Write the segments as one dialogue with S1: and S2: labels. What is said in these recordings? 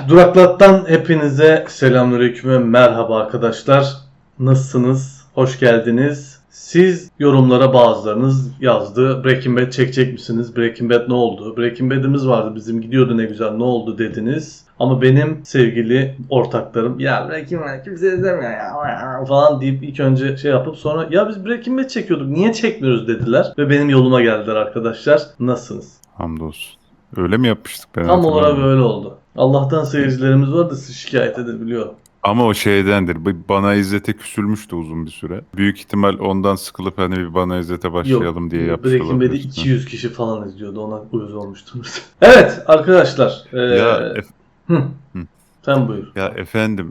S1: Duraklat'tan hepinize selamünaleyküm ve merhaba arkadaşlar. Nasılsınız? Hoş geldiniz. Siz yorumlara bazılarınız yazdı. Breaking Bad çekecek misiniz? Breaking Bad ne oldu? Breaking Bad'imiz vardı bizim, gidiyordu ne güzel, ne oldu dediniz. Ama benim sevgili ortaklarım ya Breaking Bad kimse izlemiyor ya falan deyip ilk önce şey yapıp sonra ya biz Breaking Bad çekiyorduk niye çekmiyoruz dediler. Ve benim yoluma geldiler arkadaşlar. Nasılsınız?
S2: Hamdolsun. Öyle mi yapmıştık ben
S1: Tam olarak
S2: hatırlamıyorum.
S1: böyle oldu. Allah'tan seyircilerimiz var da sizi şikayet edebiliyor.
S2: Ama o şeydendir. Bana İzzet'e küsülmüştü uzun bir süre. Büyük ihtimal ondan sıkılıp hani bir Bana İzzet'e
S1: Yok.
S2: başlayalım diye yapmış
S1: Breaking Bad'i
S2: olabilir.
S1: 200 kişi falan izliyordu. Ona uyuz olmuştur. Evet arkadaşlar.
S2: Ya
S1: Hı,
S2: Hı.
S1: sen buyur.
S2: Ya efendim,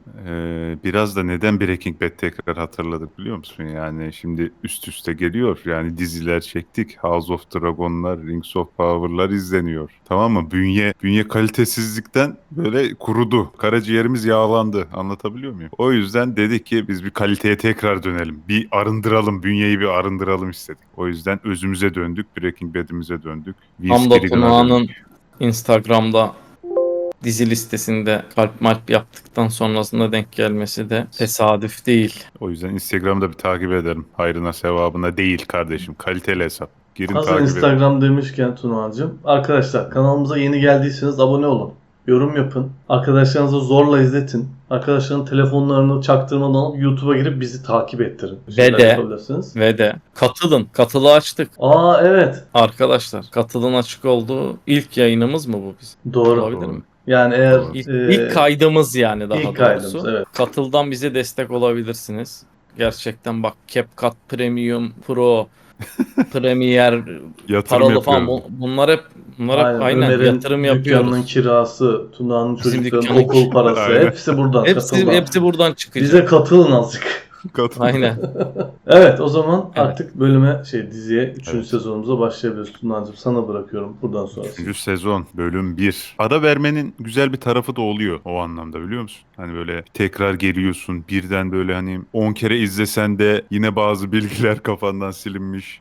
S2: biraz da neden Breaking Bad tekrar hatırladık biliyor musun? Yani şimdi üst üste geliyor. Yani diziler çektik. House of Dragon'lar, Rings of Power'lar izleniyor. Tamam mı? Bünye kalitesizlikten böyle kurudu. Karaciğerimiz yağlandı. Anlatabiliyor muyum? O yüzden dedik ki biz bir kaliteye tekrar dönelim. Bir arındıralım. Bünyeyi bir arındıralım istedik. O yüzden özümüze döndük. Breaking Bad'imize döndük. Vince
S3: Hamza
S2: Gilligan'a
S3: Tunağan'ın
S2: döndük.
S3: Instagram'da dizi listesinde kalp malp yaptıktan sonrasında denk gelmesi de tesadüf değil.
S2: O yüzden Instagram'da bir takip ederim. Hayrına sevabına değil kardeşim. Kaliteli hesap. Girin
S1: Hazır
S2: takip edin.
S1: Instagram demişken Tuna'cığım. Arkadaşlar kanalımıza yeni geldiyseniz abone olun. Yorum yapın. Arkadaşlarınıza zorla izletin. Arkadaşların telefonlarını çaktırmadan alıp YouTube'a girip bizi takip ettirin. Bir şeyler
S3: de-
S1: yapabilirsiniz.
S3: Ve de katılın. Katılı açtık.
S1: Aa evet.
S3: Arkadaşlar katılın açık olduğu ilk yayınımız mı bu bizim?
S1: Doğru.
S3: Olabilir mi?
S1: Yani eğer
S2: Doğru.
S3: İlk kaydımız yani daha
S1: ilk
S3: doğrusu.
S1: kaydımız, evet.
S3: Katıldan bize destek olabilirsiniz. Gerçekten bak CapCut Premium Pro Premier
S2: Yatırım
S3: paralı falan
S2: yapıyoruz.
S3: bunlar hep aynen
S1: Ömer'in
S3: yatırım
S1: dükkanının
S3: yapıyoruz.
S1: kirası, Tuna'nın
S3: Bizim
S1: çocukların
S3: dükkanın
S1: okul parası
S2: Aynen.
S1: hepsi buradan.
S3: Hepsi
S1: Katıldan.
S3: buradan çıkacak.
S1: Bize katılın azıcık.
S2: Katıl.
S3: Aynen.
S1: Evet o zaman
S3: Evet.
S1: artık bölüme diziye 3.
S2: Evet.
S1: sezonumuza başlayabiliriz. Tuna'cığım sana bırakıyorum buradan sonrası.
S2: 3. sezon bölüm 1. Ara vermenin güzel bir tarafı da oluyor o anlamda biliyor musun? Hani böyle tekrar geliyorsun birden böyle hani 10 kere izlesen de yine bazı bilgiler kafandan silinmiş.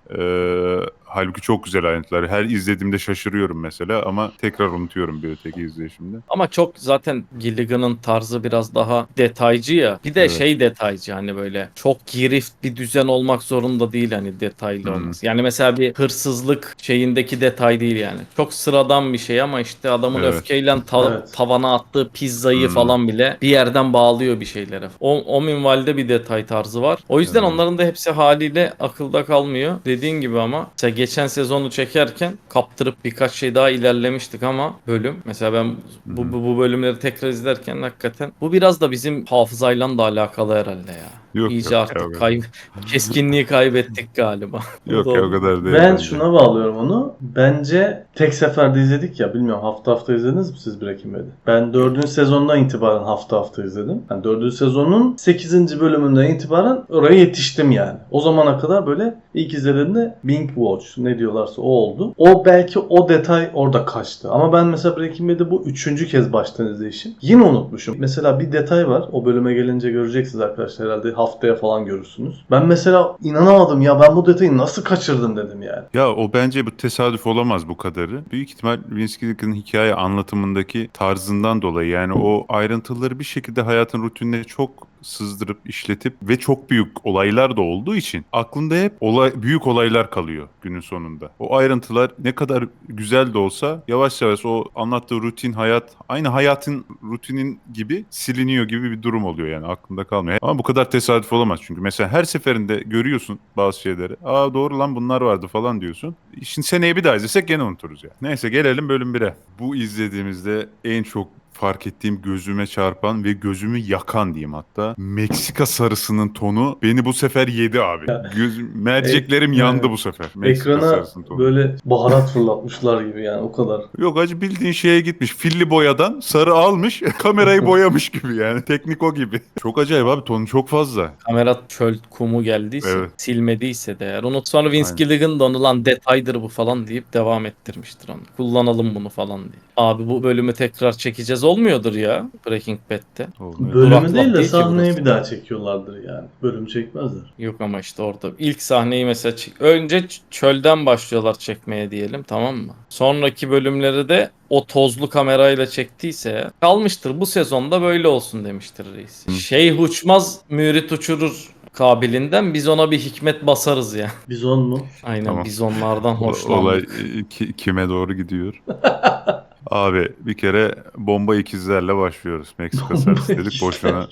S2: Halbuki çok güzel ayrıntılar. Her izlediğimde şaşırıyorum mesela ama tekrar unutuyorum bir öteki izleyişimde.
S3: Ama çok zaten Gilligan'ın tarzı biraz daha detaycı ya. Bir de
S2: Evet.
S3: şey detaycı hani böyle çok girift bir düzen olmak zorunda değil hani detaylı
S2: Hmm.
S3: olması. Yani mesela bir hırsızlık şeyindeki detay değil yani. Çok sıradan bir şey ama işte adamın
S2: Evet.
S3: öfkeyle
S1: Evet.
S3: tavana attığı pizzayı
S2: Hmm.
S3: falan bile bir yerden bağlıyor bir şeylere. O minvalde bir detay tarzı var. O yüzden
S2: Evet.
S3: onların da hepsi haliyle akılda kalmıyor. Dediğin gibi ama mesela geçen sezonu çekerken kaptırıp birkaç şey daha ilerlemiştik ama bölüm mesela ben bu bölümleri tekrar izlerken hakikaten bu biraz da bizim hafızayla da alakalı herhalde ya.
S2: Yok
S3: İyice
S2: yok
S3: artık
S2: ya,
S3: keskinliği kaybettik galiba.
S2: yok ya o kadar değil
S1: Ben
S2: bence.
S1: şuna bağlıyorum onu. Bence tek seferde izledik ya. Bilmiyorum hafta hafta izlediniz mi siz Breaking Bad'i? Ben 4. sezondan itibaren hafta hafta izledim. Yani 4. sezonun 8. bölümünden itibaren oraya yetiştim yani. O zamana kadar böyle ilk izlediğimde Binge Watch ne diyorlarsa o oldu. O belki o detay orada kaçtı. Ama ben mesela Breaking Bad'i bu 3. kez baştan izleyişim. Yine unutmuşum. Mesela bir detay var. O bölüme gelince göreceksiniz arkadaşlar herhalde. Haftaya falan görürsünüz. Ben mesela inanamadım ya ben bu detayı nasıl kaçırdım dedim yani.
S2: Ya o bence bu tesadüf olamaz bu kadarı. Büyük ihtimal Vince Gilligan'ın hikaye anlatımındaki tarzından dolayı yani o ayrıntıları bir şekilde hayatın rutinine çok sızdırıp işletip ve çok büyük olaylar da olduğu için aklında hep büyük olaylar kalıyor günün sonunda. O ayrıntılar ne kadar güzel de olsa yavaş yavaş o anlattığı rutin hayat aynı hayatın rutinin gibi siliniyor gibi bir durum oluyor yani aklında kalmıyor. Ama bu kadar tesadüf olamaz çünkü mesela her seferinde görüyorsun bazı şeyleri. Aa doğru lan bunlar vardı falan diyorsun. Şimdi seneye bir daha izlesek gene unuturuz ya. Neyse gelelim bölüm 1'e. Bu izlediğimizde en çok fark ettiğim gözüme çarpan ve gözümü yakan diyeyim hatta. Meksika sarısının tonu beni bu sefer yedi abi. Merceklerim yandı bu sefer. Meksika
S1: Ekrana
S2: sarısının tonu.
S1: böyle baharat fırlatmışlar gibi yani o kadar.
S2: Yok acı bildiğin şeye gitmiş. Filli boyadan sarı almış kamerayı boyamış gibi yani. Teknik o gibi. Çok acayip abi tonu çok fazla.
S3: Kamera çöl kumu geldiyse,
S2: Evet.
S3: silmediyse de eğer. Onu sonra Vince
S2: Aynen.
S3: Gilligan da onu lan detaydır bu falan deyip devam ettirmiştir onu. Kullanalım bunu falan diye. Abi bu bölümü tekrar çekeceğiz kez olmuyordur ya Breaking Bad'de.
S2: Olmuyor.
S1: Bölümü
S3: Duraklat
S1: değil de
S3: değil ki
S1: sahneyi
S3: burası.
S1: bir daha çekiyorlardır yani. Bölüm çekmezler.
S3: Yok ama işte orada ilk sahneyi mesela önce çölden başlıyorlar çekmeye diyelim, tamam mı? Sonraki bölümleri de o tozlu kamerayla çektiyse kalmıştır. Bu sezonda böyle olsun demiştir reis.
S2: Hı.
S3: Şeyh uçmaz mürit uçurur kabilinden biz ona bir hikmet basarız ya.
S1: Bizon mu?
S3: Aynen
S2: Tamam.
S3: biz onlardan
S2: Olay
S3: hoşlandık.
S2: kime doğru gidiyor? Abi bir kere bomba ikizlerle başlıyoruz. Meksika sarısı dedik boşuna.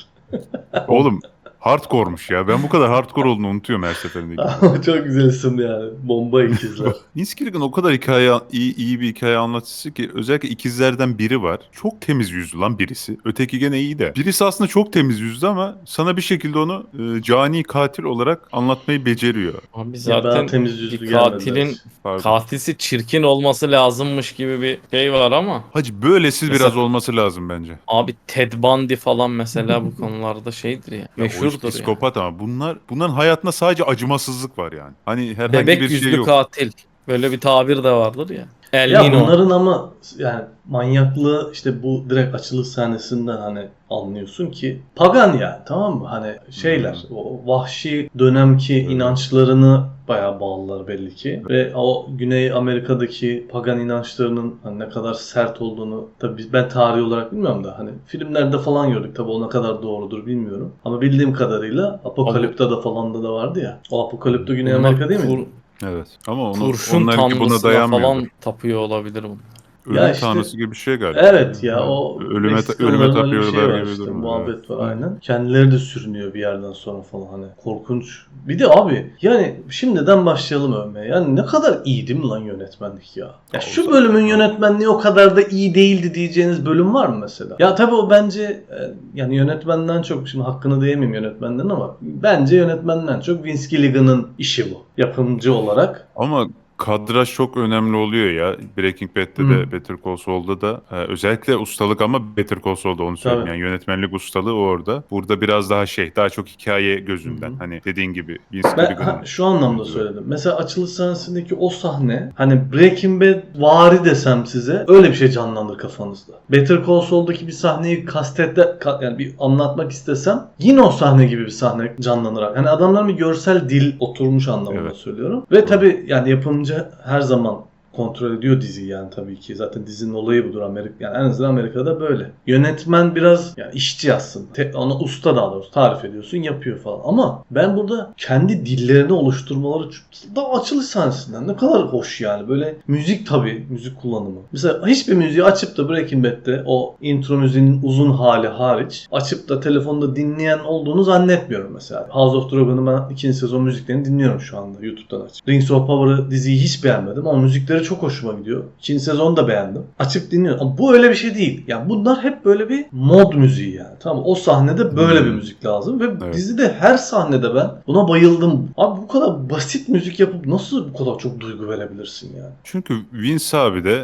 S2: Oğlum hardcore'muş ya. Ben bu kadar hardcore olduğunu unutuyorum her seferinde.
S1: Ama çok güzel isim yani. Bomba ikizler.
S2: Vince Gilligan o kadar iyi bir hikaye anlatıcısı ki özellikle ikizlerden biri var. Çok temiz yüzlü lan birisi. Öteki gene iyi de. Birisi aslında çok temiz yüzlü ama sana bir şekilde onu cani katil olarak anlatmayı beceriyor.
S3: Abi
S1: Ya bana
S3: zaten
S1: temiz yüzlü
S3: bir
S1: gelmediler.
S3: katilin
S2: Pardon.
S3: katilsi çirkin olması lazımmış gibi bir şey var ama
S2: Hacı böylesi
S3: Mesela-
S2: biraz olması lazım bence.
S3: abi Ted Bundy falan mesela bu konularda şeydir ya.
S2: Ya o iş
S3: Meşhurdur ya.
S2: psikopat ama bunların hayatında sadece acımasızlık var yani. Hani herhangi
S3: Bebek
S2: bir şey
S3: yüzlü
S2: yok.
S3: katil. Böyle bir tabir de vardır ya. El
S1: Ya
S3: Nino.
S1: bunların ama yani manyaklığı işte bu direkt açılış sahnesinden hani anlıyorsun ki pagan yani, tamam mı? Hani şeyler o vahşi dönemki
S2: Evet.
S1: inançlarını bayağı bağlılar belli ki. Ve o Güney Amerika'daki pagan inançlarının hani ne kadar sert olduğunu tabii ben tarihi olarak bilmiyorum da hani filmlerde falan gördük, tabii o ne kadar doğrudur bilmiyorum. Ama bildiğim kadarıyla Apokalipto'da falan da vardı ya. O Apokalipto Güney
S3: Bunlar
S1: Amerika değil mi?
S2: Evet. Ama
S3: kurşun
S2: onlarınki buna
S3: tanrısına
S2: dayanmıyordur.
S3: falan tapıyor olabilir bunlar.
S2: Ölüm
S1: Ya işte-
S2: tanrısı gibi bir şey galiba.
S1: Evet ya, o
S2: ölüme
S1: Meksikalıların öyle bir
S2: tapıyorlar
S1: şey var
S2: gibi
S1: işte,
S2: durum.
S1: muhabbet var
S2: Evet.
S1: aynen. Kendileri de sürünüyor bir yerden sonra falan, hani korkunç. Bir de abi yani şimdiden başlayalım övmeye. Yani ne kadar iyi değil mi lan yönetmenlik ya? Ya şu
S2: Olsa-
S1: bölümün yönetmenliği o kadar da iyi değildi diyeceğiniz bölüm var mı mesela? Ya tabii o bence yani yönetmenden çok, şimdi hakkını diyemeyeyim yönetmenden ama bence yönetmenden çok Vince Gilligan'ın işi bu. Yapımcı olarak.
S2: Ama kadraj çok önemli oluyor ya. Breaking Bad'de de Better Call Saul'da da özellikle ustalık ama Better Call Saul'da onu söyleyeyim.
S1: Tabii.
S2: Yani yönetmenlik ustalığı orada. Burada biraz daha daha çok hikaye gözünden.
S1: Hı hı.
S2: Hani dediğin gibi Vince
S1: Ben
S2: Gilligan'ın
S1: şu anlamda
S2: gözü var.
S1: söyledim. Mesela açılış sahnesindeki o sahne, hani Breaking Bad vari desem size, öyle bir şey canlanır kafanızda. Better Call Saul'daki bir sahneyi yani bir anlatmak istesem yine o sahne gibi bir sahne canlanır. Yani adamların bir görsel dil oturmuş anlamında
S2: Evet.
S1: söylüyorum. Ve tabii yani yapımcı her zaman kontrol ediyor diziyi yani, tabii ki. Zaten dizinin olayı budur Amerika. Yani en azından Amerika'da böyle. Yönetmen biraz yani işçi aslında. Ona usta, daha doğrusu tarif ediyorsun, yapıyor falan. Ama ben burada kendi dillerini oluşturmaları daha açılış sahnesinden ne kadar hoş yani. Böyle müzik, tabii müzik kullanımı. Mesela hiçbir müziği açıp da Breaking Bad'de o intro müziğinin uzun hali hariç açıp da telefonda dinleyen olduğunu zannetmiyorum mesela. House of Dragon'un ben 2. sezon müziklerini dinliyorum şu anda YouTube'dan açıp. Rings of Power'ı, diziyi hiç beğenmedim ama müzikleri çok hoşuma gidiyor. 2. sezonu da beğendim. Açıp dinliyorum. Ama bu öyle bir şey değil. Yani bunlar hep böyle bir mod müziği yani. Tamam, o sahnede böyle bir müzik lazım ve
S2: Evet.
S1: dizide her sahnede ben buna bayıldım. Abi bu kadar basit müzik yapıp nasıl bu kadar çok duygu verebilirsin yani?
S2: Çünkü Vince abi de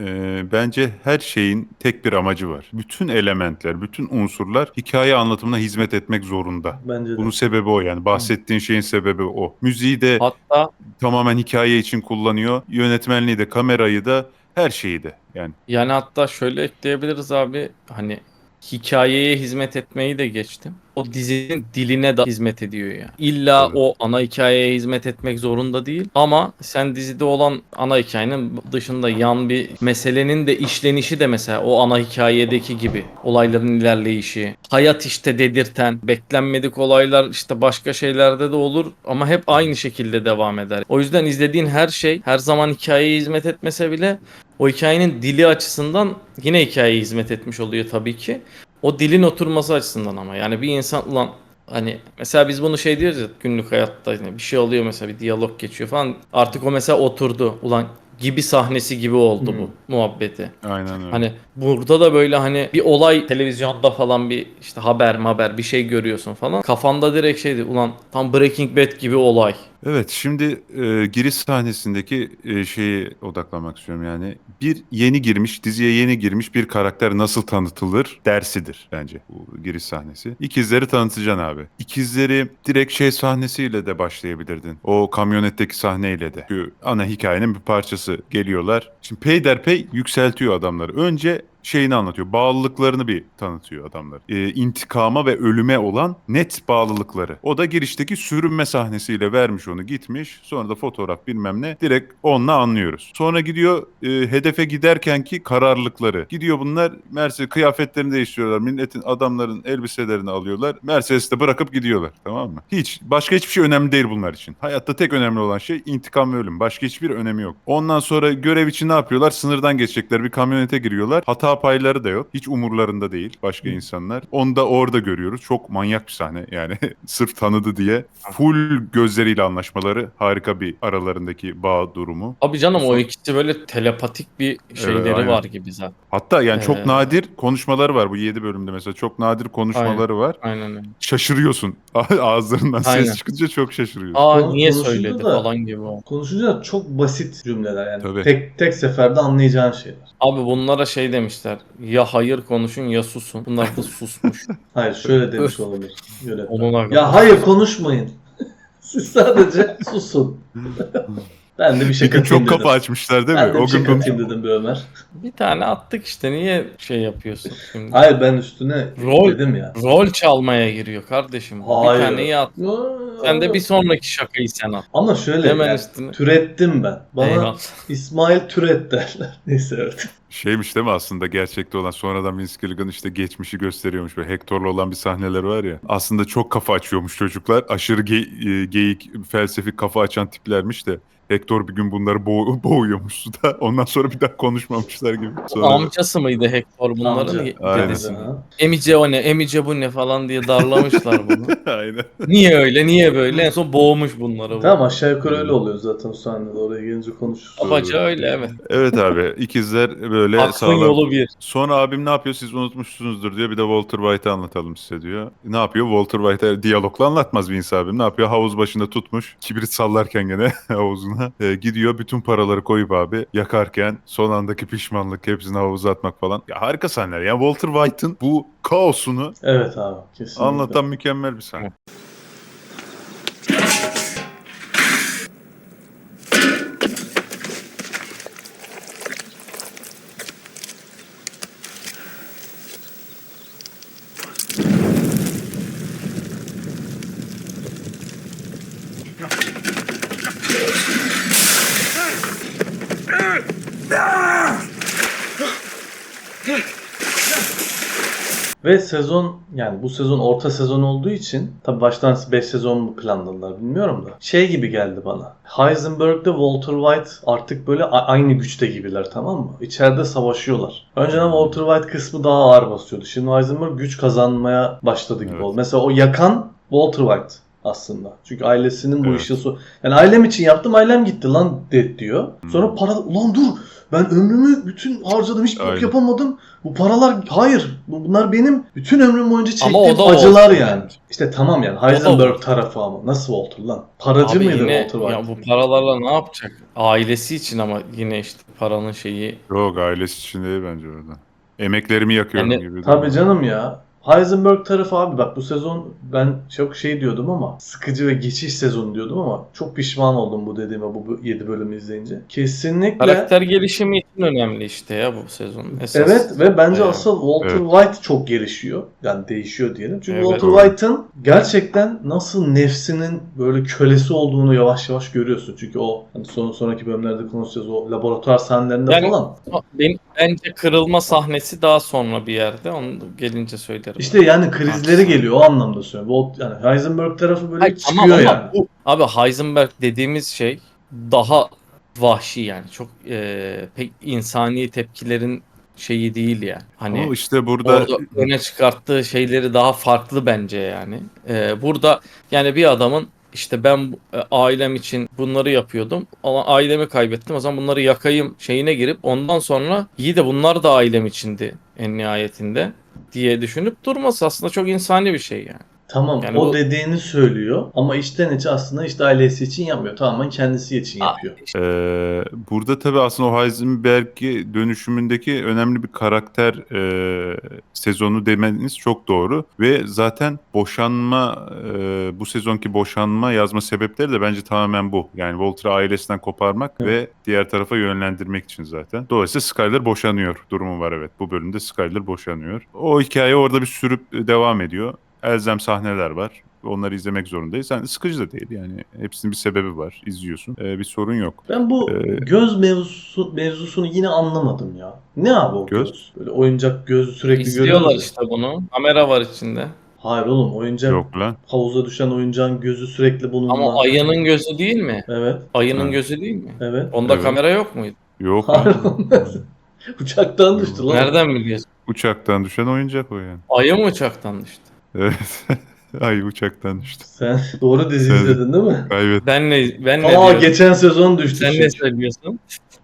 S2: bence her şeyin tek bir amacı var. Bütün elementler, bütün unsurlar hikaye anlatımına hizmet etmek zorunda.
S1: Bence de.
S2: Bunun sebebi o yani. Bahsettiğin şeyin sebebi o. Müziği de
S3: Hatta
S2: tamamen hikaye için kullanıyor. Yönetmenliği de, kamerayı da, her şeyi de. Yani
S3: hatta şöyle ekleyebiliriz abi, hani hikayeye hizmet etmeyi de geçtim. O dizinin diline de hizmet ediyor yani. İlla
S2: Tabii.
S3: o ana hikayeye hizmet etmek zorunda değil ama sen dizide olan ana hikayenin dışında yan bir meselenin de işlenişi de mesela o ana hikayedeki gibi olayların ilerleyişi, hayat işte dedirten, beklenmedik olaylar işte başka şeylerde de olur ama hep aynı şekilde devam eder. O yüzden izlediğin her şey her zaman hikayeye hizmet etmese bile o hikayenin dili açısından yine hikayeye hizmet etmiş oluyor tabii ki. O dilin oturması açısından ama yani bir insan ulan hani mesela biz bunu şey diyoruz ya günlük hayatta, yani bir şey oluyor mesela bir diyalog geçiyor falan, artık o mesela oturdu ulan gibi sahnesi gibi oldu bu muhabbeti.
S2: aynen öyle.
S3: Hani burada da böyle hani bir olay televizyonda falan bir işte haber bir şey görüyorsun falan. Kafanda direkt şeydi ulan tam Breaking Bad gibi olay.
S2: Evet, şimdi giriş sahnesindeki şeye odaklanmak istiyorum yani. Bir diziye yeni girmiş bir karakter nasıl tanıtılır dersidir bence bu giriş sahnesi. İkizleri tanıtacaksın abi. İkizleri direkt sahnesiyle de başlayabilirdin. O kamyonetteki sahneyle de. Çünkü ana hikayenin bir parçası, geliyorlar. Şimdi peyderpey yükseltiyor adamları. Önce şeyini anlatıyor. Bağlılıklarını bir tanıtıyor adamlar. İntikama ve ölüme olan net bağlılıkları. O da girişteki sürünme sahnesiyle vermiş onu, gitmiş. Sonra da fotoğraf bilmem ne. Direkt onunla anlıyoruz. Sonra gidiyor hedefe giderken ki kararlılıkları. Gidiyor bunlar Mercedes kıyafetlerini değiştiriyorlar. Milletin, adamların elbiselerini alıyorlar. Mercedes'te bırakıp gidiyorlar. Tamam mı? Başka hiçbir şey önemli değil bunlar için. Hayatta tek önemli olan şey intikam ve ölüm. Başka hiçbir önemi yok. Ondan sonra görev için ne yapıyorlar? Sınırdan geçecekler. Bir kamyonete giriyorlar. Hata payları da yok. Hiç umurlarında değil başka insanlar. Onu da orada görüyoruz. Çok manyak bir sahne yani. Sırf tanıdı diye. Full gözleriyle anlaşmaları. Harika bir aralarındaki bağ durumu.
S3: Abi canım o ikisi böyle telepatik bir şeyleri
S2: aynen.
S3: var gibi zaten.
S2: Hatta yani çok
S3: Ee,
S2: nadir konuşmaları var bu 7 bölümde mesela. Çok nadir konuşmaları var.
S3: Aynen öyle.
S2: Şaşırıyorsun. Ağızlarından
S3: Aynen.
S2: ses çıkınca çok şaşırıyorsun.
S3: Niye
S1: Konuşunca
S3: söyledi
S1: da-
S3: falan gibi o.
S1: Konuşunca da çok basit cümleler yani.
S2: Tabii.
S1: Tek seferde anlayacağın şeyler.
S3: Abi bunlara şey demişler. Ya hayır konuşun ya susun. Bunlar da susmuş.
S1: Hayır şöyle demiş olabilir. Yönetmen.
S3: Onuna kadar.
S1: Ya hayır konuşmayın. Siz sadece susun. Ben de bir
S2: Bir
S1: şey
S2: gün
S1: katayım
S2: çok
S1: dedim.
S2: kafa açmışlar değil mi?
S1: Ben de
S2: O
S1: bir şey
S2: gün bunu...
S1: katayım dedim bir Ömer.
S3: Bir tane attık işte niye şey yapıyorsun şimdi?
S1: Hayır ben üstüne
S3: Rol-
S1: dedim ya.
S3: Rol çalmaya giriyor kardeşim.
S1: Hayır.
S3: Bir taneyi at. Sen de bir sonraki şakayı sen at.
S1: Ama şöyle
S3: Hemen
S1: yani,
S3: üstüne.
S1: türettim ben. Bana
S3: Eyvallah.
S1: İsmail Türet derler. Neyse evet.
S2: Şeymiş değil mi aslında gerçekte olan, sonradan Vince Gilligan işte geçmişi gösteriyormuş. Böyle Hector'la olan bir sahneler var ya. Aslında çok kafa açıyormuş çocuklar. Aşırı geyik, felsefik kafa açan tiplermiş de. Hector bir gün bunları boğuyormuş suda. Ondan sonra bir daha konuşmamışlar gibi. Sonra
S3: Amcası mıydı Hector bunların?
S1: Amca.
S2: Aynen.
S3: Dedesi.
S1: Ha.
S3: Emice o ne? Emice bu ne falan diye darlamışlar bunu.
S2: aynen.
S3: Niye öyle? Niye böyle? En son boğmuş bunları bu.
S1: Tamam aşağı yukarı öyle oluyor zaten o sahnede. Oraya gelince konuşuruz.
S3: Abaca öyle evet.
S2: Evet abi, ikizler böyle
S3: Aklın
S2: sağlam.
S3: yolu bir.
S2: Sonra abim ne yapıyor, siz unutmuşsunuzdur diyor. Bir de Walter White'ı anlatalım size diyor. Ne yapıyor? Walter White'ı diyalogla anlatmaz Vince abim. Ne yapıyor? Havuz başında tutmuş. Kibrit sallarken gene havuzuna. Gidiyor bütün paraları koyup abi yakarken son andaki pişmanlık, hepsini havuza atmak falan. Ya harika sahneler. Yani Walter White'ın bu kaosunu
S1: Evet abi kesinlikle.
S2: anlatan mükemmel bir sahne.
S1: Ve sezon yani bu sezon orta sezon olduğu için tabii baştan 5 sezon mu planladılar bilmiyorum da. Şey gibi geldi bana. Heisenberg'de Walter White artık böyle aynı güçte gibiler, tamam mı? İçeride savaşıyorlar. Önceden Walter White kısmı daha ağır basıyordu. Şimdi Heisenberg güç kazanmaya başladı gibi
S2: Evet.
S1: oldu. Mesela o yakan Walter White aslında. Çünkü ailesinin bu
S2: Evet.
S1: işi yani ailem için yaptım, ailem gitti lan diyor. Sonra para ulan dur ben ömrümü bütün harcadım, hiç bok
S2: Aynen.
S1: yapamadım. Bu paralar hayır. Bunlar benim bütün ömrüm boyunca
S3: Ama
S1: çektiğim
S3: o da
S1: acılar
S3: Walter
S1: yani.
S3: bence.
S1: İşte tamam yani Heisenberg
S3: Walter.
S1: tarafı ama nasıl Walter lan? Paracı
S3: Abi
S1: mıydı
S3: yine
S1: Walter White?
S3: ya bu paralarla ne yapacak? Ailesi için ama yine işte paranın şeyi.
S2: Yok, ailesi için değil bence orada. Emeklerimi yakıyorum
S3: Yani,
S2: gibi.
S1: Tabii canım ya. Heisenberg tarafı abi bak bu sezon ben çok şey diyordum ama sıkıcı ve geçiş sezonu diyordum ama çok pişman oldum bu dediğime bu 7 bölümü izleyince. Kesinlikle
S3: Karakter gelişimi için önemli işte ya bu sezon. Esas.
S1: evet ve bence
S3: Evet.
S1: asıl Walter
S2: Evet.
S1: White çok gelişiyor. Yani değişiyor diyelim. Çünkü
S3: Evet.
S1: Walter White'ın gerçekten nasıl nefsinin böyle kölesi olduğunu yavaş yavaş görüyorsun. Çünkü o hani sonraki bölümlerde konuşacağız o laboratuvar sahnelerinde
S3: Yani-
S1: falan.
S3: Bence kırılma sahnesi daha sonra bir yerde. Onu gelince söylerim.
S1: İşte yani krizleri
S3: Haklısın.
S1: geliyor o anlamda söylüyorum. Yani Heisenberg tarafı böyle
S3: Hayır,
S1: çıkıyor
S3: tamam ama
S1: yani.
S3: bu abi Heisenberg dediğimiz şey daha vahşi yani. Çok pek insani tepkilerin şeyi değil yani. Hani
S2: Ama işte burada
S3: orada öne çıkarttığı şeyleri daha farklı bence yani. Burada yani bir adamın işte ben ailem için bunları yapıyordum ama ailemi kaybettim o zaman bunları yakayım şeyine girip ondan sonra iyi de bunlar da ailem içindi en nihayetinde diye düşünüp durması aslında çok insani bir şey yani.
S1: Tamam,
S3: Yani
S1: o
S3: bu-
S1: dediğini söylüyor ama içten içe aslında işte ailesi için yapmıyor. Tamamen kendisi için yapıyor.
S2: Burada tabii aslında o Heisenberg'i dönüşümündeki önemli bir karakter sezonu demeniz çok doğru. Ve zaten bu sezonki boşanma yazma sebepleri de bence tamamen bu. Yani Walter'ı ailesinden koparmak ve diğer tarafa yönlendirmek için zaten. Dolayısıyla Skyler boşanıyor durumu var, evet. Bu bölümde Skyler boşanıyor. O hikaye orada bir sürüp devam ediyor. Elzem sahneler var. Onları izlemek zorundayız. Yani sıkıcı da değil yani. Hepsinin bir sebebi var. İzliyorsun. Bir sorun yok.
S1: Ben bu göz mevzusunu yine anlamadım ya. Ne abi o
S2: Göz?
S1: göz? Böyle oyuncak gözü sürekli
S3: İzliyorlar
S1: görüyoruz ya.
S3: işte bunu. Kamera var içinde.
S1: Hayır oğlum, oyuncak
S2: Yok lan.
S1: havuza düşen oyuncağın gözü sürekli bununla.
S3: Ama ayının gözü değil mi?
S1: Evet,
S3: Ayının
S2: Ha.
S3: gözü değil mi?
S1: evet.
S3: Onda
S2: Evet.
S3: kamera yok muydu?
S2: Yok
S1: Hayır
S2: lan.
S1: oğlum. Uçaktan düştü lan.
S3: Nereden biliyorsun?
S2: Uçaktan düşen oyuncak o yani.
S3: Ayı mı uçaktan düştü?
S2: Evet. Ay uçaktan düştü.
S1: Sen doğru dizi
S2: Sen-
S1: izledin değil mi?
S2: Kaybet.
S3: Ben ne
S1: Aa,
S3: diyorum?
S1: geçen sezon düştü
S3: Sen ne
S1: çünkü.
S3: söylüyorsun?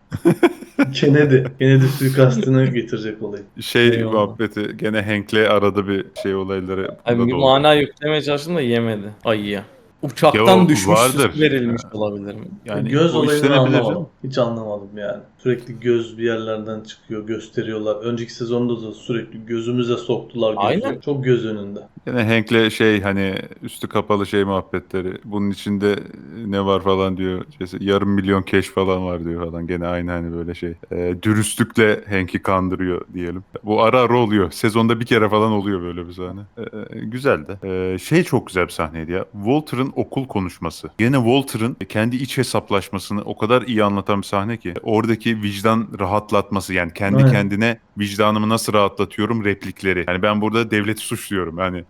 S1: Kennedy suikastını getirecek olayı.
S3: Eyvallah.
S2: Muhabbeti gene Hank'le arada bir olayları
S3: Hani
S2: bunda
S3: bir
S2: da oldu.
S3: mana yüklemeye çalıştım da yemedi ayıya. Uçaktan
S2: Ya o
S3: düşmüş
S2: vardır.
S3: süs verilmiş olabilir mi?
S2: Yani
S1: Göz
S2: o
S1: olayını
S2: işlenebilir
S1: anlamadım.
S2: canım.
S1: Hiç anlamadım yani. Sürekli göz bir yerlerden çıkıyor, gösteriyorlar. Önceki sezonda da sürekli gözümüze soktular gözü.
S3: Aynen.
S1: Çok göz önünde.
S2: Gene Hank'le hani üstü kapalı muhabbetleri. Bunun içinde ne var falan diyor. Yarım milyon keş falan var diyor falan. Gene aynı hani böyle dürüstlükle Hank'i kandırıyor diyelim. Bu ara ara oluyor. Sezonda bir kere falan oluyor böyle bir sahne. Güzeldi. Çok güzel bir sahneydi ya. Walter'ın okul konuşması. Gene Walter'ın kendi iç hesaplaşmasını o kadar iyi anlatan bir sahne ki. Oradaki vicdan rahatlatması, yani kendi
S1: Aynen.
S2: kendine vicdanımı nasıl rahatlatıyorum replikleri. Yani ben burada devleti suçluyorum. Yani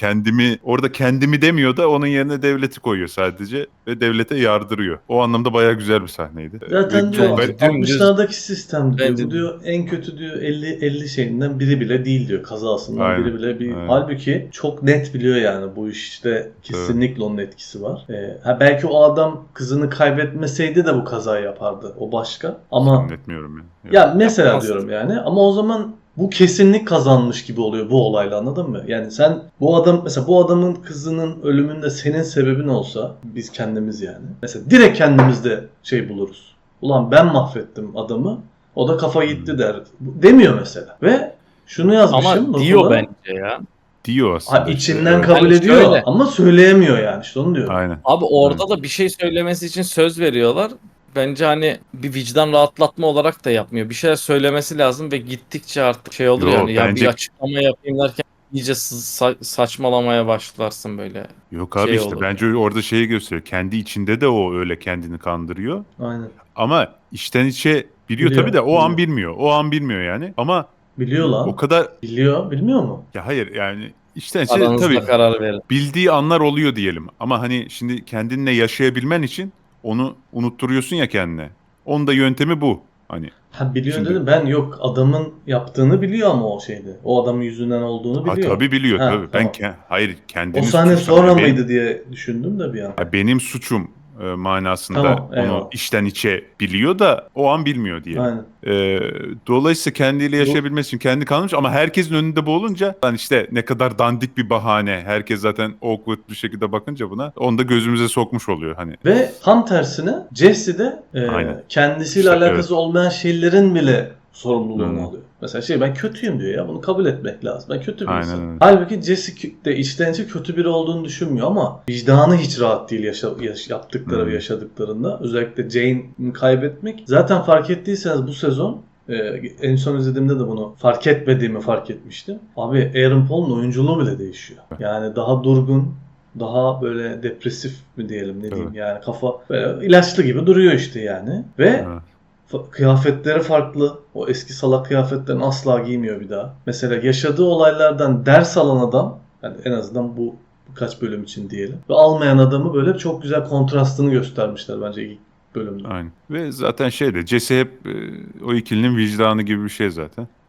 S2: kendimi demiyor da onun yerine devleti koyuyor sadece ve devlete yardırıyor. O anlamda bayağı güzel bir sahneydi.
S1: Zaten
S2: Ve
S1: diyor
S3: bence dümdüz-
S1: 60'lardaki sistem diyor.
S3: Bence-
S1: Bu diyor en kötü diyor 50 şeyinden biri bile değil diyor. Kazasından
S2: Aynen,
S1: biri bile bir.
S2: aynen.
S1: Halbuki çok net biliyor yani bu işte kesinlikle onun etkisi var. Belki o adam kızını kaybetmeseydi de bu kazayı yapardı. O başka. Ama
S2: Zannetmiyorum ya.
S1: ya mesela
S3: Yapamaz.
S1: diyorum yani, ama o zaman bu kesinlik kazanmış gibi oluyor bu olayla, anladın mı? Yani sen mesela bu adamın kızının ölümünde senin sebebin olsa, biz kendimiz yani. Mesela direkt kendimizde buluruz. Ulan ben mahvettim adamı. O da kafa gitti der. Demiyor mesela. Ve şunu yazmışım.
S3: Ama diyor
S1: notlara.
S3: bence ya.
S2: Diyor aslında.
S1: İçinden
S2: evet.
S1: kabul
S3: Yani
S1: ediyor
S3: şöyle.
S1: ama söyleyemiyor yani. İşte onu diyorum.
S2: Aynen.
S3: Abi orada da bir şey söylemesi için söz veriyorlar. Bence hani bir vicdan rahatlatma olarak da yapmıyor. Bir şeyler söylemesi lazım ve gittikçe artık olur
S2: Yo,
S3: yani. Ya
S2: bence-
S3: bir açıklama yapayım derken iyice saçmalamaya başlarsın böyle.
S2: Yok abi işte
S3: olur
S2: bence orada gösteriyor. Kendi içinde de o öyle kendini kandırıyor.
S1: Aynen.
S2: Ama içten içe biliyor tabii de o an bilmiyor. O an bilmiyor yani. Ama
S1: Biliyor lan.
S2: o kadar
S1: Biliyor. Bilmiyor mu?
S2: ya hayır yani içten içe
S3: Aranızda
S2: tabii
S3: karar verin.
S2: bildiği anlar oluyor diyelim. Ama hani şimdi kendinle yaşayabilmen için onu unutturuyorsun ya kendine. Onun da yöntemi bu. Hani
S1: Ha, biliyor
S2: Şimdi-
S1: dedim. Ben yok, adamın yaptığını biliyor ama o şeyde. O adamın yüzünden olduğunu biliyor.
S2: tabii biliyor
S1: Ha,
S2: tabii.
S1: tamam.
S2: Hayır kendini
S1: O sahne
S2: suçlamıyor.
S1: sonra
S2: Benim-
S1: mıydı diye düşündüm de bir an.
S2: benim suçum manasında
S1: Tamam,
S2: onu
S1: eyvallah.
S2: içten içe biliyor da o an bilmiyor diyelim.
S1: Aynen.
S2: Dolayısıyla kendiyle yaşayabilmesi için kendi kalmış ama herkesin önünde bu olunca lan işte ne kadar dandik bir bahane. Herkes zaten awkward bir şekilde bakınca buna onu da gözümüze sokmuş oluyor hani.
S1: Ve tam tersine Jesse de
S2: Aynen.
S1: kendisiyle
S2: İşte,
S1: alakası olmayan şeylerin bile sorumluluğunu
S2: Hı.
S1: alıyor. Mesela ben kötüyüm diyor ya, bunu kabul etmek lazım. Ben kötü bir
S2: Aynen
S1: insanım.
S2: öyle.
S1: Halbuki Jesse de içten içe kötü biri olduğunu düşünmüyor ama vicdanı hiç rahat değil yaptıkları ve
S2: Hı.
S1: yaşadıklarında. Özellikle Jane'i kaybetmek. Zaten fark ettiyseniz bu sezon en son izlediğimde de bunu fark etmediğimi fark etmiştim. Abi Aaron Paul'un oyunculuğu bile değişiyor. Yani daha durgun, daha böyle depresif mi diyelim, ne diyeyim, yani kafa böyle ilaçlı gibi duruyor işte yani. Ve
S2: Evet.
S1: kıyafetleri farklı. O eski salak kıyafetlerini asla giymiyor bir daha. Mesela yaşadığı olaylardan ders alan adam, yani en azından bu birkaç bölüm için diyelim, ve almayan adamı böyle çok güzel kontrastını göstermişler bence ilk bölümde.
S2: Aynen. Ve zaten Jesse hep o ikilinin vicdanı gibi bir şey zaten.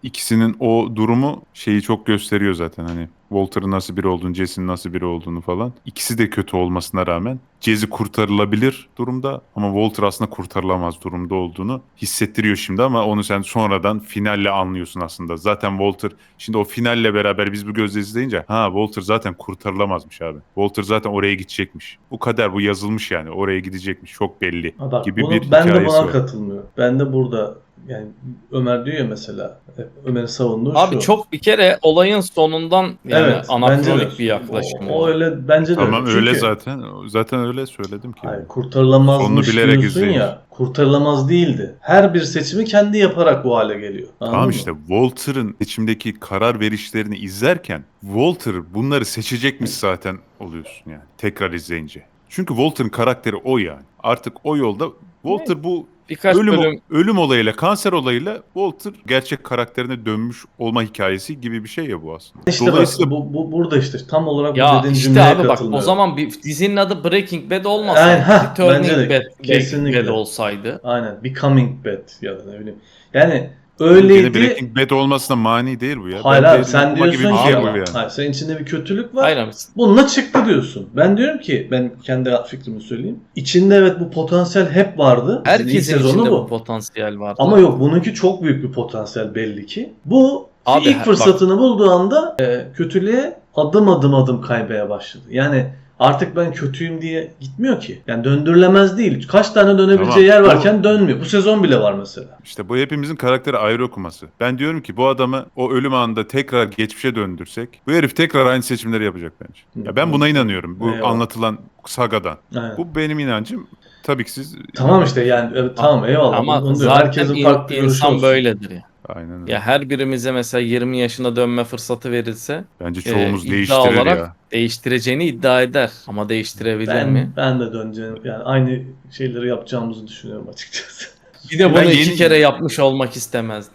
S2: ikisinin o durumu şeyi çok gösteriyor zaten, hani Walter'ın nasıl biri olduğunu, Jesse'nin nasıl biri olduğunu falan. İkisi de kötü olmasına rağmen Jesse kurtarılabilir durumda ama Walter aslında kurtarılamaz durumda olduğunu hissettiriyor şimdi, ama onu sen sonradan finalle anlıyorsun aslında. Zaten Walter şimdi o finalle beraber biz bu gözle izleyince Walter zaten kurtarılamazmış abi. Walter zaten oraya gidecekmiş. Bu kader, bu yazılmış yani. Oraya gidecekmiş. Çok belli
S1: Ha bak,
S2: gibi bir
S1: ben de
S2: hikayesi
S1: buna
S2: var.
S1: katılmıyorum. Ben de burada yani Ömer diyor ya mesela, Ömer'in savunduğu
S3: Abi
S1: şu.
S3: çok bir kere olayın sonundan yani
S1: Evet, bence de.
S3: anakronik bir yaklaşım.
S1: O öyle, bence de öyle.
S2: Tamam, öyle
S1: Çünkü
S2: zaten. Zaten öyle söyledim ki.
S1: hayır,
S2: Yani. Sonunu
S1: kurtarılamazmış
S2: bilerek
S1: diyorsun
S2: izleyin.
S1: ya. Kurtarılamaz değildi. Her bir seçimi kendi yaparak bu hale geliyor. Anladın
S2: Tamam
S1: mı?
S2: işte, Walter'ın seçimdeki karar verişlerini izlerken Walter bunları seçecekmiş zaten oluyorsun yani tekrar izleyince. Çünkü Walter'ın karakteri o yani. Artık o yolda Walter bu
S3: Birkaç bölüm
S2: ölüm olayıyla, kanser olayıyla Walter gerçek karakterine dönmüş olma hikayesi gibi bir şey ya bu aslında.
S1: İşte bak,
S2: Dolayısıyla
S1: burada işte tam olarak bu
S3: ya
S1: dediğin
S3: işte
S1: cümleye
S3: abi bak, o
S1: katılıyorum.
S3: zaman bir dizinin adı Breaking Bad
S1: Aynen,
S3: olmasaydı,
S1: bence de,
S3: Turning Bad,
S1: kesinlikle.
S3: Bad olsaydı.
S1: Aynen. Becoming Bad ya da ne bileyim. Yani
S2: gene
S1: öyleydi.
S2: Breaking Bad olmasına mani değil bu ya.
S1: Hayır
S2: Ben
S1: abi,
S2: derin
S1: sen
S2: okuma gibi
S1: diyorsun
S2: bir
S1: ki
S2: şey
S3: Abi,
S2: bu
S1: ama
S2: yani.
S1: hayır, senin içinde bir kötülük var.
S3: Hayır abi.
S1: Bununla çıktı diyorsun. Ben diyorum ki, ben kendi fikrimi söyleyeyim. İçinde evet bu potansiyel hep vardı. Dizinin ilk
S3: Herkesin
S1: sezonu
S3: içinde
S1: bu.
S3: bu potansiyel vardı.
S1: Ama yok, bununki çok büyük bir potansiyel belli ki. Bu
S3: Abi,
S1: ilk
S3: bak.
S1: fırsatını bulduğu anda kötülüğe adım kaymaya başladı. Yani artık ben kötüyüm diye gitmiyor ki. Yani döndürülemez değil. Kaç tane dönebileceği
S2: Tamam,
S1: yer varken dönmüyor. Bu sezon bile var mesela.
S2: İşte bu hepimizin karakteri ayrı okuması. Ben diyorum ki bu adamı o ölüm anında tekrar geçmişe döndürsek bu herif tekrar aynı seçimleri yapacak bence. Ya ben buna inanıyorum. Bu
S1: Eyvallah.
S2: anlatılan sagadan.
S1: Aynen.
S2: Bu benim inancım. Tabii ki siz...
S1: Tamam işte yani evet, tamam eyvallah.
S3: Ama
S1: Onu diyorum.
S3: zaten
S1: Herkesin farklı görüşü
S3: insan
S1: olsun.
S3: böyledir ya.
S2: Aynen öyle.
S3: Ya her birimize mesela 20 yaşına dönme fırsatı verilse
S2: Bence çoğumuz
S3: iddia
S2: değiştirir
S3: olarak
S2: ya.
S3: değiştireceğini iddia eder. Ama değiştirebilir mi?
S1: Ben de döneceğim. Yani aynı şeyleri yapacağımızı düşünüyorum açıkçası.
S3: Bir de bunu
S2: Ben
S3: iki
S2: yeni-
S3: kere yapmış olmak istemezdim.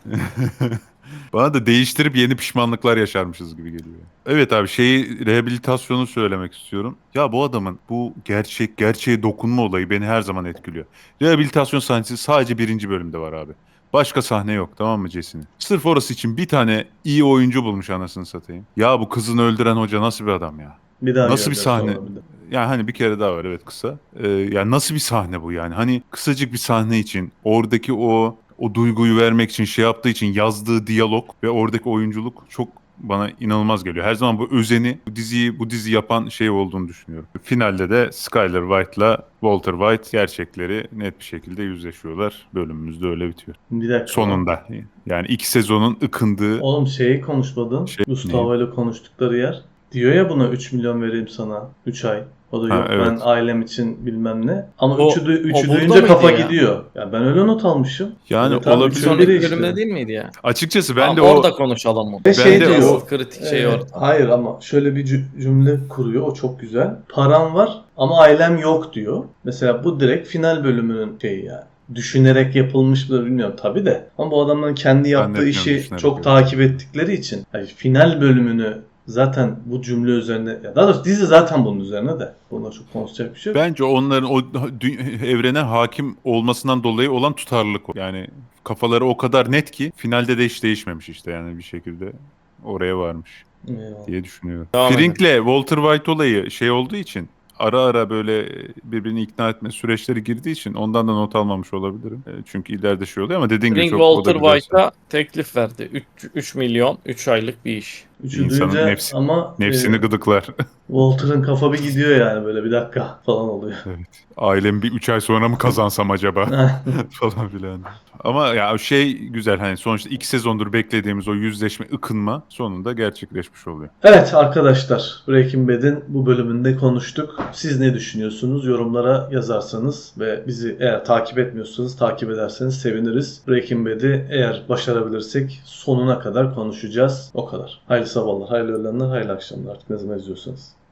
S2: Bana da değiştirip yeni pişmanlıklar yaşarmışız gibi geliyor. Evet abi, rehabilitasyonu söylemek istiyorum. Ya bu adamın bu gerçeğe dokunma olayı beni her zaman etkiliyor. Rehabilitasyon sahnesi sadece birinci bölümde var abi. Başka sahne yok, tamam mı Jesse'nin? Sırf orası için bir tane iyi oyuncu bulmuş, anasını satayım. Ya bu kızını öldüren hoca nasıl bir adam ya?
S1: Bir daha
S2: Nasıl bir
S1: göreceğiz
S2: sahne?
S1: sonra bir de.
S2: Yani hani bir kere daha var, evet, kısa. Yani nasıl bir sahne bu yani? Hani kısacık bir sahne için oradaki o duyguyu vermek için şey yaptığı için yazdığı diyalog ve oradaki oyunculuk çok bana inanılmaz geliyor. Her zaman bu özeni, bu dizi yapan şey olduğunu düşünüyorum. Finalde de Skyler White'la Walter White gerçekleri net bir şekilde yüzleşiyorlar. Bölümümüz de öyle bitiyor.
S1: Bir dakika.
S2: Sonunda. Yani iki sezonun ıkındığı
S1: Oğlum şeyi konuşmadın. Gustavo ile konuştukları yer. Diyor ya buna 3 milyon vereyim sana 3 ay. O da
S2: Ha,
S1: yok
S2: evet.
S1: ben ailem için bilmem ne. Ama
S3: O-
S1: 3'ü
S3: o burada
S1: duyunca
S3: mıydı
S1: kafa
S3: ya?
S1: gidiyor. Ya ben öyle not almışım.
S2: Yani
S1: Evet abi,
S2: olabilir.
S1: üçün
S3: Sonraki
S1: biri işte.
S3: bölümde değil miydi ya?
S2: açıkçası ben
S3: Tamam,
S2: de
S3: orada konuşalım onu.
S1: Ve şey
S2: de
S1: diyor.
S3: Asıl kritik şey orada.
S1: Hayır ama şöyle bir cümle kuruyor. O çok güzel. Param var ama ailem yok diyor. Mesela bu direkt final bölümünün şeyi yani. Düşünerek yapılmış mı bilmiyorum tabii de. Ama bu adamların kendi yaptığı
S2: Zannetmiyorum
S1: işi
S2: düşünerek
S1: çok
S2: yapıyor.
S1: takip ettikleri için. Yani final bölümünü zaten bu cümle üzerine, ya daha doğrusu dizi zaten bunun üzerine de. Bunda çok konuşacak bir şey yok.
S2: Bence onların o evrene hakim olmasından dolayı olan tutarlılık o. Yani kafaları o kadar net ki finalde de hiç değişmemiş işte, yani bir şekilde oraya varmış
S1: Eyvallah.
S2: diye düşünüyorum.
S3: Devam
S2: Frink'le Walter White olayı şey olduğu için, ara ara böyle birbirini ikna etme süreçleri girdiği için ondan da not almamış olabilirim. Çünkü ileride şey oluyor ama dediğin gibi
S3: Ring
S2: çok o da
S3: Walter
S2: güzel.
S3: White'a teklif verdi. 3 milyon 3 aylık bir iş.
S1: Üçü
S2: İnsanın
S1: duyunca ama
S2: nefsini gıdıklar.
S1: Walter'ın kafa bir gidiyor yani, böyle bir dakika falan oluyor.
S2: Evet. Ailem bir 3 ay sonra mı kazansam acaba falan filan. Ama ya şey güzel, hani sonuçta 2 sezondur beklediğimiz o yüzleşme, ıkınma sonunda gerçekleşmiş oluyor.
S1: Evet arkadaşlar, Breaking Bad'in bu bölümünde konuştuk. Siz ne düşünüyorsunuz? Yorumlara yazarsanız ve bizi eğer takip etmiyorsanız takip ederseniz seviniriz. Breaking Bad'i eğer başarabilirsek sonuna kadar konuşacağız. O kadar. Hayırlı sabahlar, hayırlı öğlenler, hayırlı akşamlar artık ne zaman izliyorsanız.